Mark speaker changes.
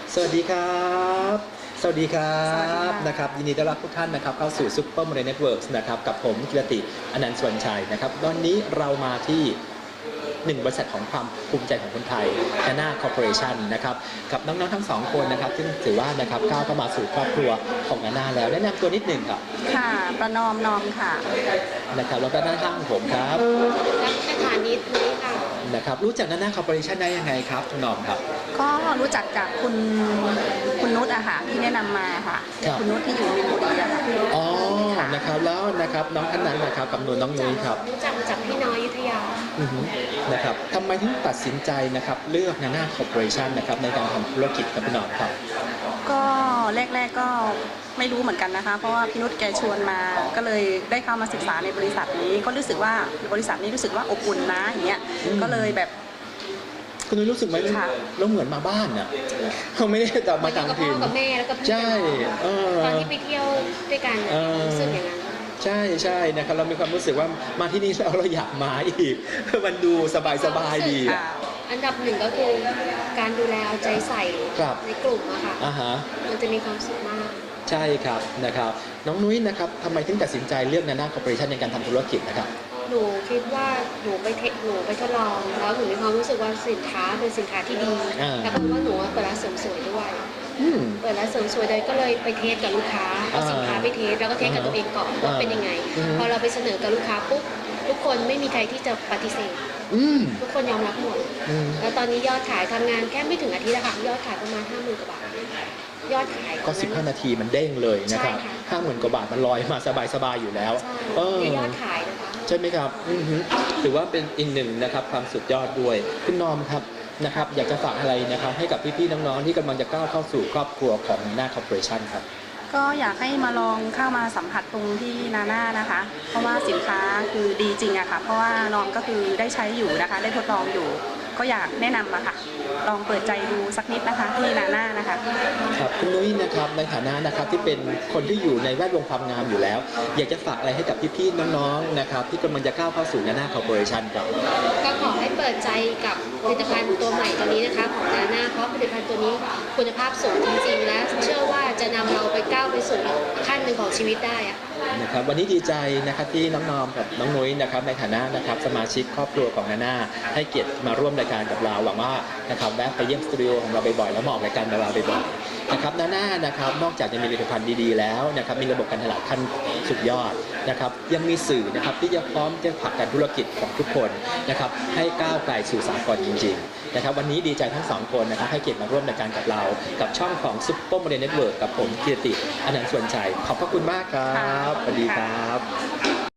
Speaker 1: สวัสดีครับสวัสดีครั
Speaker 2: สวัสดี
Speaker 1: บ
Speaker 2: ค่ะ
Speaker 1: นะครับยินดีต้อนรับทุกท่านนะครับเข้าสู่ Super Money Networks นะครับกับผมกิรติอนันต์สวนชัยนะครับตอนนี้เรามาที่หนึ่งบริษัทของความภูมิใจของคนไทย Nana Corporation นะครับกับน้องๆทั้งสองคนนะครับซึ่งถือว่านะครับก้าวเข้ามาสู่ครอบครัวของ Nana แล้วแนะนำตัวนิดหนึ่งครับ
Speaker 2: ค่ะประนอมนอมค่ะ
Speaker 1: นะครับแล้วก็ด้านข้างผมครับ
Speaker 3: รัชฐานิตนี้ค่ะ
Speaker 1: นะครับรู้จัก Nana Corporation ได้ยังไงครับคุณหน้อมครับ
Speaker 2: ก็รู้จักจากคุณนุชอะค่ะที่แนะนำมาค่ะ
Speaker 1: ครับ
Speaker 2: คุณนุชที่อยู่มินบุรีอะค่ะ
Speaker 1: อ๋อนะครับแล้วนะครับน้องท่านนั้นนะครับกับน้องนุ้ยครับ
Speaker 3: รู้จักมาจากพี่น้อยอยุธยา
Speaker 1: อือฮึนะครับทำไมถึงตัดสินใจนะครับเลือก Nana Corporation นะครับในการทำธุรกิจกับพี่หน้องครับ
Speaker 2: ก็แรกๆก็ไม่รู้เหมือนกันนะคะเพราะว่าพี่นุชแกชวนมาก็เลยได้เข้ามาศึกษาในบริษัทนี้ก็รู้สึกว่าบริษัทนี้รู้สึกว่าอบอุ่นนะอย่างเงี้ย
Speaker 1: อืม
Speaker 2: ก็เลยแบบ
Speaker 1: คุณนุ้ยรู้สึกไหม
Speaker 2: ค่ะ
Speaker 1: เราเหมือนมาบ้านอ่ะเขาไม่ได้แต่มาต่าง
Speaker 3: กับพ่
Speaker 1: ถิ่
Speaker 3: อน กับแม่แล้วก็พี่
Speaker 1: ใช่เ
Speaker 3: ตอนที่ไปเที่ยวด้วยกัน
Speaker 1: เออ
Speaker 3: รู้สึกอย่างนั้น
Speaker 1: ใช่ใช่นะครับเรามีความรู้สึกว่ามาที่นี่แล้วเราอยากมาอีก มันดูสบายดีอะ
Speaker 2: ค่ะ
Speaker 3: อันดับหนึ่งก็คือการดูแลเอาใจใส่
Speaker 1: ครับ
Speaker 3: ในกลุ่มอะค่ะ
Speaker 1: อ่าฮะ
Speaker 3: มันจะมีความสุขมาก
Speaker 1: ใช่ครับนะครับน้องนุ้ยนะครับทำไมถึงตัดสินใจเลือก Nana Corporation ในการทำธุรกิจนะครับ
Speaker 3: หนูคิดว่าหนูไปทดลองแล้วหนูมีความรู้สึกว่าสินค้าเป็นสินค้าที่ดี
Speaker 1: อ่า
Speaker 3: แล้วก็ว่าหนูเปิดร้านเสริมสวยด้วย
Speaker 1: อืม
Speaker 3: เปิดร้านเสริมสวยเลยก็เลยไปเทสกับลูกค้าเอาสินค้าไปเทสแล้วก็เทสกับตัวเองก่อนว่าเป็นยังไง
Speaker 1: อืม
Speaker 3: พอเราไปเสนอกับลูกค้าปุ๊บทุกคนไม่มีใครที่จะปฏิเสธ
Speaker 1: อืม
Speaker 3: ทุกคนยอมรับหมด
Speaker 1: อืม
Speaker 3: แล้วตอนนี้ยอดขายทำงานแค่ไม่ถึงอาทิตย์ละค่ะยอดขายประมาณ 50,000 กว่าบาทยอดขาย
Speaker 1: ก็ 15 นาทีมันเด้งเลยนะครับ
Speaker 3: ใช่ค่ะ
Speaker 1: 50,000 กว่าบาทมันลอยมาสบายๆอยู่แล้ว
Speaker 3: ใช่
Speaker 1: เออ
Speaker 3: ในยอดขายนะคะ
Speaker 1: ใช่ไหมครับอือฮึถือว่าเป็นอีกหนึ่งนะครับความสุดยอดด้วยคุณนอมครับนะครับอยากจะฝากอะไรนะครับให้กับพี่ๆน้องๆที่กำลังจะก้าวเข้าสู่ครอบครัวของ Nana Corporation ครับ
Speaker 2: ก็อยากให้มาลองเข้ามาสัมผัสตรงที่นาน่านะคะ เพราะว่าสินค้าคือดีจริงอะค่ะ เพราะว่าน้องก็คือได้ใช้อยู่นะคะ ได้ทดลองอยู่ ก็อยากแนะนำอะค่ะ ลองเปิดใจดูสักนิดนะคะที่นาน่านะคะ
Speaker 1: ครับคุณนุ้ยนะครับในฐานะนะครับที่เป็นคนที่อยู่ในแวดวงความงามอยู่แล้ว อยากจะฝากอะไรให้กับพี่ๆน้องๆนะครับที่กำลังจะก้าวเข้าสู่ Nana Corporation ครับ
Speaker 3: ก็ขอให้เปิดใจกับผลิตภัณฑ์ตัวใหม่ตัวนี้นะคะของนาน่าเพราะผลิตภัณฑ์ตัวนี้คุณภาพสูงจริงๆ และเชื่อว่าจะนำเราไปก้าวไปสู่อีกขั้นหนึ่งของชีวิตได้อะ
Speaker 1: นะครับวันนี้ดีใจนะครับที่น้องนอมกับน้องนุ้ยนะครับในฐานะนะครับสมาชิกครอบครัวของ Nana ให้เกียรติมาร่วมรายการกับเราหวังว่านะครับแวะไปเยี่ยมสตูดิโอของเราบ่อยๆแล้วมาออกรายการกับเราบ่อยๆนะครับ Nana นะครับนอกจากจะมีผลิตภัณฑ์ดีๆแล้วนะครับมีระบบการตลาดขั้นสุดยอดนะครับยังมีสื่อนะครับที่จะพร้อมจะผลักดันธุรกิจของทุกคนนะครับให้ก้าวไกลสู่สากลจริงๆนะครับวันนี้ดีใจทั้งสองคนนะครับให้เกียรติมาร่วมรายการกับเรากับช่องของ Super Money Network กับผมกิรติอนันต์สวนชัยขอบพระคุณมากครับ
Speaker 2: ค่ะ
Speaker 1: สวัสดีครับ